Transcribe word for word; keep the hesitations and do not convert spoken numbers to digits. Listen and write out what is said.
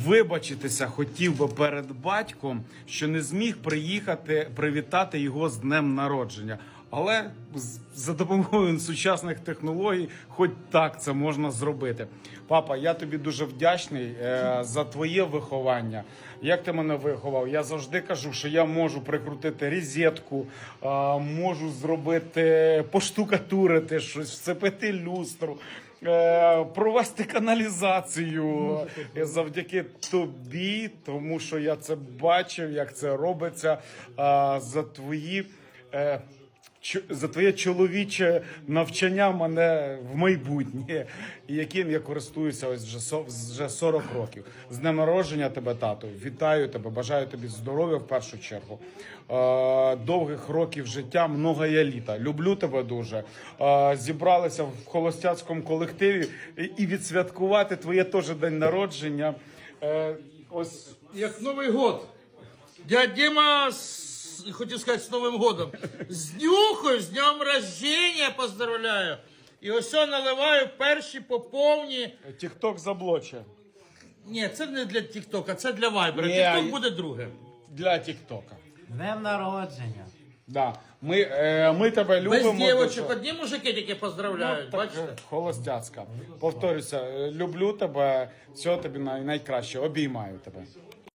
вибачитися хотів би перед батьком, що не зміг приїхати привітати його з днем народження. Але за допомогою сучасних технологій хоч так це можна зробити. Папа, я тобі дуже вдячний е, за твоє виховання. Як ти мене виховав? Я завжди кажу, що я можу прикрутити розетку, е, можу зробити, поштукатурити щось, вцепити люстру, е, провести каналізацію завдяки тобі, тому що я це бачив, як це робиться, е, за твої... Е, за твоє чоловіче навчання мене в майбутнє, і яким я користуюся ось вже, вже сорок років. З днем народження тебе, тату. Вітаю тебе, бажаю тобі здоров'я в першу чергу. Е, довгих років життя, многоє літа. Люблю тебе дуже. Е, зібралися в холостяцькому колективі і, і відсвяткувати твоє теж день народження. Е, ось... Як Новий год. Дядь Дима, хотів сказати, з Новим годом. З днюхою, з днем рождения поздравляю. І ось я наливаю перші поповні. Тік-ток заблоче. Ні, це не для Тік-Тока, це для Вайбера. Ні, Тік-Ток я- буде друге. Для тік-тока. Днем народження. Да. Ми, е, ми тебе любимо. Без дівочок, дуже. одні мужики тільки поздравляють, Так, бачите? холостяцька. Повторюся, е, люблю тебе, всього тобі най- найкраще, обіймаю тебе.